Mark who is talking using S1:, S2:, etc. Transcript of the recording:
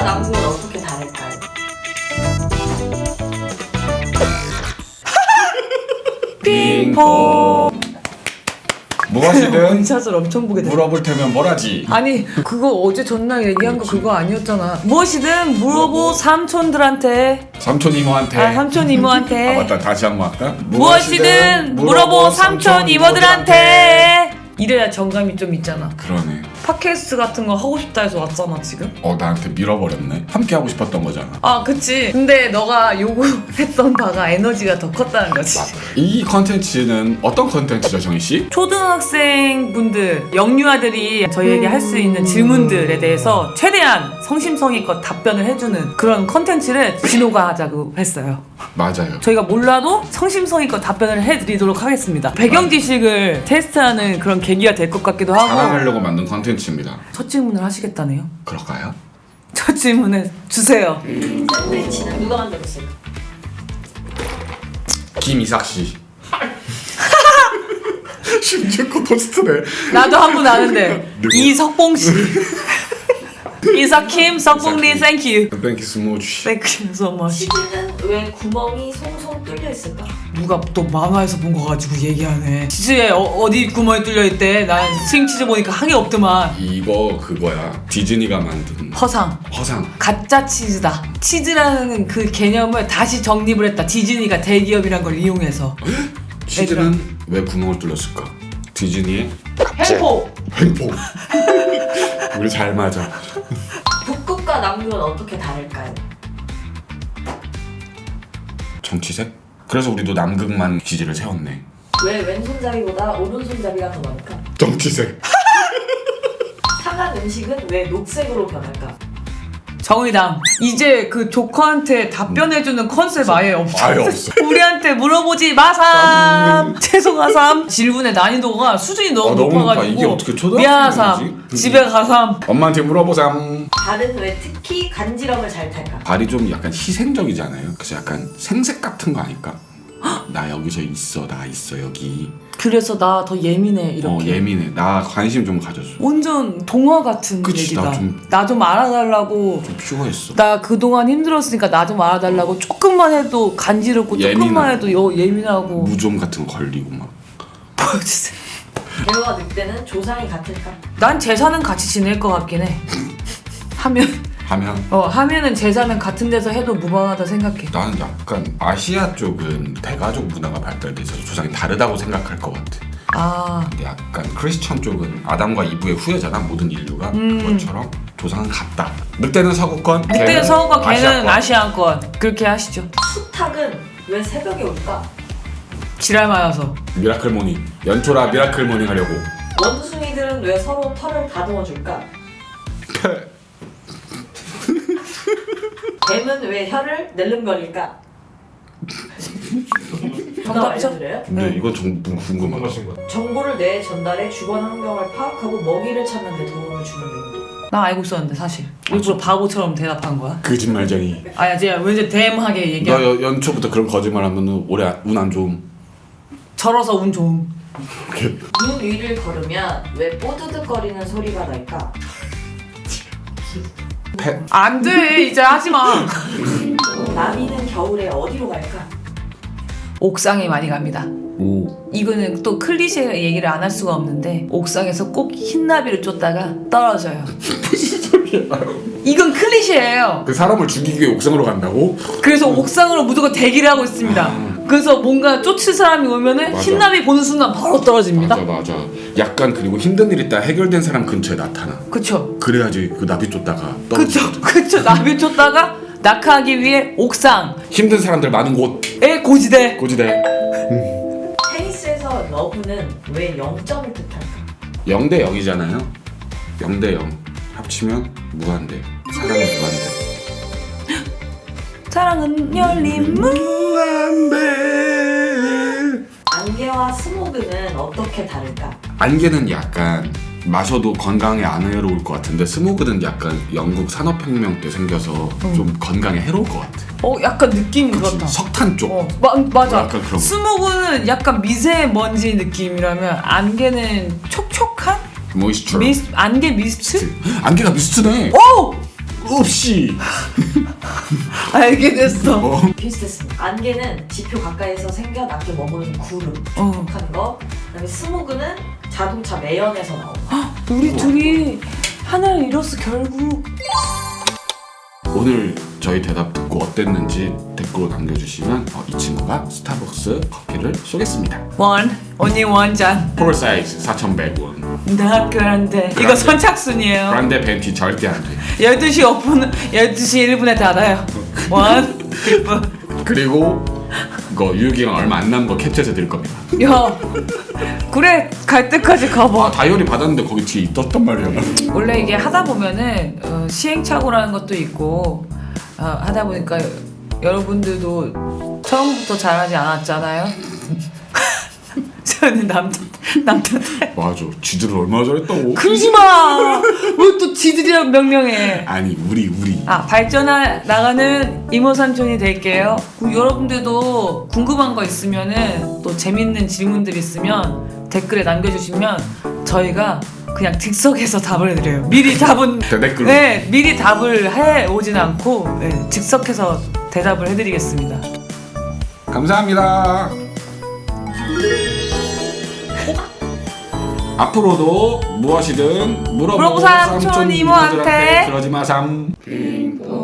S1: 남극은 어떻게 다를까요?
S2: 빙봉. 무엇이든
S3: 원샷을 엄청 보게 돼.
S2: 물어볼 테면 뭐라지.
S3: 아니 그거 어제 전날 얘기한 거 그거 아니었잖아. 무엇이든 물어보 삼촌들한테.
S2: 삼촌 이모한테.
S3: 삼촌 이모한테.
S2: 아 맞다, 다시 한 번 할까?
S3: 무엇이든 물어보 삼촌 이모들한테. 이래야 정감이 좀 있잖아.
S2: 그러네.
S3: 팟캐스트 같은 거 하고 싶다 해서 왔잖아 지금.
S2: 나한테 밀어버렸네. 함께 하고 싶었던 거잖아.
S3: 아 그치. 근데 너가 요구했던 바가 에너지가 더 컸다는 거지.
S2: 이 컨텐츠는 어떤 컨텐츠죠, 정희씨?
S3: 초등학생 분들, 영유아들이 저희에게 할 수 있는 질문들에 대해서 최대한 성심성의껏 답변을 해주는 그런 컨텐츠를 진호가 하자고 했어요.
S2: 맞아요.
S3: 저희가 몰라도 성심성의껏 답변을 해드리도록 하겠습니다. 배경 지식을 테스트하는 그런 계기가 될 것 같기도 하고.
S2: 자랑하려고 만든 컨텐츠입니다.
S3: 첫 질문을 하시겠다네요.
S2: 그럴까요?
S3: 첫 질문을 주세요.
S1: 샌드위치는 누가 만들었을까?
S2: 김이삭씨. 심지어 토스트네.
S3: 나도 한 분 아는데 이석봉 씨. 이석킴, 석봉리, 땡큐.
S2: 땡큐 스무치.
S3: 땡큐 so much.
S1: 치즈는 왜 구멍이 송송 뚫려 있을까?
S3: 누가 또 만화에서 본 거 가지고 얘기하네. 치즈에 어디 구멍이 뚫려 있대. 난 스윙치즈 보니까 한게 없더만.
S2: 이거 그거야. 디즈니가 만든
S3: 허상.
S2: 허상.
S3: 가짜 치즈다. 치즈라는 그 개념을 다시 정립을 했다. 디즈니가 대기업이란 걸 이용해서.
S2: 치즈는 왜 구멍을 뚫렸을까? 디즈니의
S3: 횡포.
S2: 횡포. 우리 잘 맞아.
S1: 북극과 남극은 어떻게 다를까요?
S2: 정치색? 그래서 우리도 남극만 기지를 세웠네.
S1: 왜 왼손잡이보다 오른손잡이가 더 많을까?
S2: 정치색.
S1: 상한 음식은 왜 녹색으로 변할까?
S3: 정의당. 이제 그 조커한테 답변해주는 컨셉 아예 없어.
S2: 아예 없어.
S3: 우리한테 물어보지 마삼. 죄송하삼. 질문의 난이도가 수준이 너무
S2: 너무 높아.
S3: 높아가지고.
S2: 이게 어떻게 초등학생이지?
S3: 미안하삼. 집에 가삼.
S2: 엄마한테 물어보삼.
S1: 발은 왜 특히 간지럼을 잘 탈까?
S2: 발이 좀 약간 희생적이잖아요. 그래서 약간 생색 같은 거 아닐까? 나 여기서 있어, 나 있어 여기.
S3: 그래서 나 더 예민해 이렇게.
S2: 예민해. 나 관심 좀 가져줘.
S3: 완전 동화 같은
S2: 그치,
S3: 얘기다.
S2: 나
S3: 나 좀 알아달라고.
S2: 좀 퓨어했어.
S3: 나 그동안 힘들었으니까 나 좀 알아달라고. 조금만 해도 간지럽고 조금만 해도 예민하고.
S2: 무좀 같은 거 걸리고 막.
S3: 보여주세요.
S1: 개와 늑대는 조상이 같을까?
S3: 난 제사는 같이 지낼 것 같긴 해. 하면은 제사는 같은 데서 해도 무방하다 생각해.
S2: 나는 약간 아시아 쪽은 대가족 문화가 발달돼 있어서 조상이 다르다고 생각할 것 같아.
S3: 아,
S2: 근데 약간 크리스천 쪽은 아담과 이브의 후예잖아, 모든 인류가. 그것처럼 조상은 같다. 늑대는 서구권,
S3: 늑대는 서구권, 걔는
S2: 아시아권.
S3: 아시아권. 그렇게 하시죠.
S1: 수탉은 왜 새벽에 올까?
S3: 지랄 맞아서.
S2: 미라클 모닝. 연초라 미라클 모닝 하려고.
S1: 원숭이들은 왜 서로 털을 다듬어 줄까? 뱀은 왜 혀를 낼름거릴까? 정답 알려드려요?
S2: 근데
S3: 네.
S2: 이건 좀 궁금하다.
S1: 정보를 뇌에 전달해 주변 환경을 파악하고 먹이를 찾는 데 도움을 주는 용도.
S3: 나 알고 있었는데 사실. 일부러 바보처럼 대답한 거야.
S2: 거짓말쟁이.
S3: 아야, 제가 왠지 댐하게
S2: 너
S3: 얘기하.
S2: 연초부터 그런 거짓말하면 올해 운 안 좋음.
S3: 절어서 운 좋음.
S1: 눈 위를 걸으면 왜 뽀드득거리는 소리가 날까?
S3: 안 돼, 이제 하지 마.
S1: 나비는 겨울에 어디로 갈까?
S3: 옥상에 많이 갑니다.
S2: 오.
S3: 이거는 또 클리셰 얘기를 안 할 수가 없는데 옥상에서 꼭 흰나비를 쫓다가 떨어져요.
S2: 무슨 소리야?
S3: 이건 클리셰예요.
S2: 그 사람을 죽이기 위해 옥상으로 간다고?
S3: 그래서 옥상으로 무조건 대기를 하고 있습니다. 그래서 뭔가 쫓을 사람이 오면은
S2: 맞아.
S3: 흰나비 보는 순간 바로 떨어집니다.
S2: 맞아. 약간 그리고 힘든 일 있다 해결된 사람 근처에 나타나.
S3: 그쵸?
S2: 그래야지 그 나비 쫓다가 떨어지.
S3: 그쵸? 나비 쫓다가 낙하하기 위해 옥상에
S2: 힘든 사람들 많은 곳
S3: 고지대.
S2: 고지대.
S1: 테니스에서 러브는 왜 0점을 뜻할까?
S2: 0대 0이잖아요. 0대 0 합치면 무한대. 사랑은 무한대.
S3: 사랑은 열린 문.
S2: 무한대.
S1: 안개와 스모그는 어떻게 다를까?
S2: 안개는 약간 마셔도 건강에 안 해로울 것 같은데 스모그는 약간 영국 산업혁명 때 생겨서 좀 건강에 해로울 것 같아.
S3: 약간 느낌이 그렇다.
S2: 석탄 쪽.
S3: 맞아.
S2: 약간 그런 거.
S3: 스모그는 약간 미세먼지 느낌이라면 안개는 촉촉한?
S2: 모이스처.
S3: 안개 미스트?
S2: 안개가 미스트네.
S3: 오!
S2: 없이
S3: 알게 됐어.
S1: 비슷했습니다. 안개는 지표 가까이서 생겨 낮게 머무르는 구름 하는 거. 그다음에 스모그는 자동차 매연에서 나오는 거.
S3: 우리 둘이 하나를 잃었어 결국.
S2: 오늘 저희 대답 듣고 어땠는지 댓글로 남겨주시면 이 친구가 스타벅스 커피를 쏘겠습니다.
S3: only one 잔.
S2: 폴 사이즈 4,100원.
S3: 나 그런데 이거
S2: 그란데.
S3: 선착순이에요.
S2: 그란데 벤티 절대 안 돼.
S3: 12시 5분, 12시 1분에 닫아요. 기쁨.
S2: 그리고 이거 유효기간 얼마 안 남은 거 캡처해서 드릴 겁니다.
S3: 야, 그래 갈 때까지 가봐.
S2: 다이어리 받았는데 거기 뒤에 있었단 말이야.
S3: 원래 이게 하다 보면은 시행착오라는 것도 있고 하다 보니까 여러분들도 처음부터 잘하지 않았잖아요. 저는 남자
S2: 맞아. 지들을 얼마나 잘했다고.
S3: 그러지 마. 왜 또 지들이랑 명령해?
S2: 아니 우리
S3: 발전해 나가는 이모 삼촌이 될게요. 그리고 여러분들도 궁금한 거 있으면은 또 재밌는 질문들 있으면 댓글에 남겨주시면 저희가 그냥 즉석에서 답을 드려요. 미리 답은
S2: 대댓글로.
S3: 네, 미리 답을 해 오진 않고 네, 즉석해서 대답을 해드리겠습니다.
S2: 감사합니다. 앞으로도 무엇이든 물어보고
S3: 삼촌 이모한테
S2: 그러지 마삼.